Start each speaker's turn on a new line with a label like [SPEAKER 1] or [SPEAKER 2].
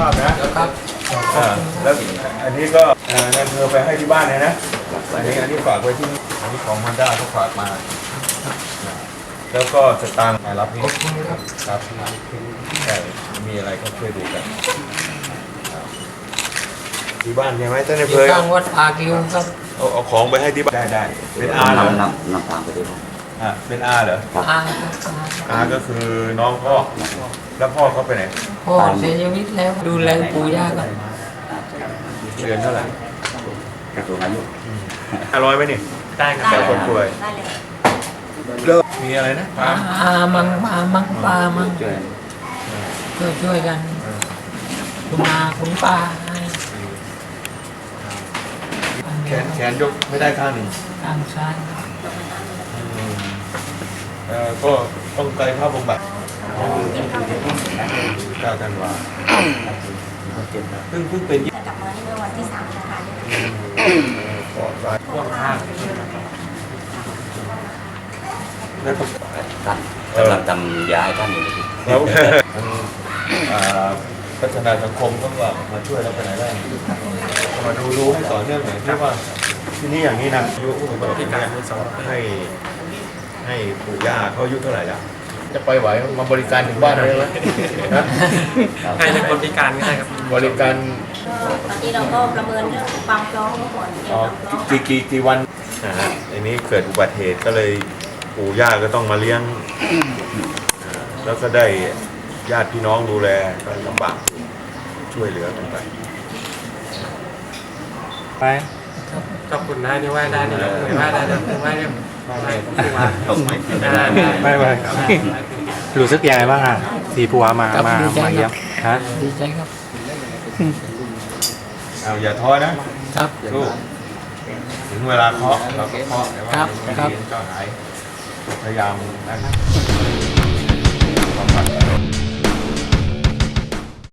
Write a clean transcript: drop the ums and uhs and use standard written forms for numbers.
[SPEAKER 1] าพนะครับแล้วอันนี้ก็นายอำเภอไปให้ที่บ้านเลยนะอันนี้ฝากไว้ที่นี่อันนี้ของHondaเขาฝากมาแล้วก็สตางค์มารับนี่ครับใช่มีอะไรก็ช่วยดูกันที่บ้านใช่ไหมท่านนายอำเภอ
[SPEAKER 2] ข้างวัดปากิวครับ
[SPEAKER 1] เอาของไปให้ที่บ้านได้เป็นอาเหรอ
[SPEAKER 3] นำตามไปด้วย
[SPEAKER 1] เป็นอาเหรอ
[SPEAKER 2] อา
[SPEAKER 1] อาก็คือน้องพ่อแล้วพ่อเขาไปไหน
[SPEAKER 2] พ่อเสียชีวิตแล้วดูแลปู่ย่ากัน
[SPEAKER 1] เดือนเท่าไหร่
[SPEAKER 3] กระทรวงอายุ
[SPEAKER 1] 500ไหมนี่
[SPEAKER 4] ได้ครับ
[SPEAKER 1] แต่คนป่วย
[SPEAKER 4] ได้เลย
[SPEAKER 1] มีอะไรนะ
[SPEAKER 2] อามังปามัง
[SPEAKER 3] ช่วย
[SPEAKER 2] ช่วยกันคุณอาคุณป้าให้
[SPEAKER 1] แขนยกไม่ได้ข้างหนึ่ง
[SPEAKER 2] ทางซ้าย
[SPEAKER 1] ก็ต้องไกลภาพบำบัด9 ธันวาเพิ่งเป็น
[SPEAKER 4] จะกลับมาที่เมื่อวันที่3นะคะ
[SPEAKER 1] ปอดซ้าย
[SPEAKER 4] พ่วงข้าง
[SPEAKER 1] แล้วก็
[SPEAKER 3] ท่านกำลังทำยาให้ท่านอยู่
[SPEAKER 1] แล้วพัฒนาสังคมก็ว่ามาช่วยเราไปไหนได้มาดูให้ต่อเนื่องหน่อยที่ว่าที่นี่อย่างนี้นะอายุผู้สูงอายุเนี่ยให้ปู่ย่าเขาอายุเท่าไหร่แล้วจะไปไหวมาบริการถึงบ้านเลยไหมนะ
[SPEAKER 4] ให้เป็นคนพิการก็ได้ครับ
[SPEAKER 1] บริการ
[SPEAKER 4] ตอนนี้เราก็ประเมินเรื่องความพร้อมก่อนเกี่ยวกับพร้อม
[SPEAKER 1] กี่วันอันนี้เกิดอุบัติเหตุก็เลยปู่ย่าก็ต้องมาเลี้ยงแล้วก็ได้ญาติพี่น้องดูแลก็ลำบากช่วยเหลือกันไป
[SPEAKER 5] ไป
[SPEAKER 4] ขอบคุณนะนี่ว่าได้นี่ยกมือว่าได้เลยว่าได้
[SPEAKER 5] ไม่รู้สึกยังไงบ้างอ่ะที่ผัวมาเยี่ยมฮะ
[SPEAKER 2] ดีใจครับ
[SPEAKER 1] เอาอย่าท้อนะครับ ลูกถึงเวลาเคาะเราก็เคาะแต่ว่า
[SPEAKER 2] ครับ
[SPEAKER 1] ไม่ดีก็หายพยายามนะครับ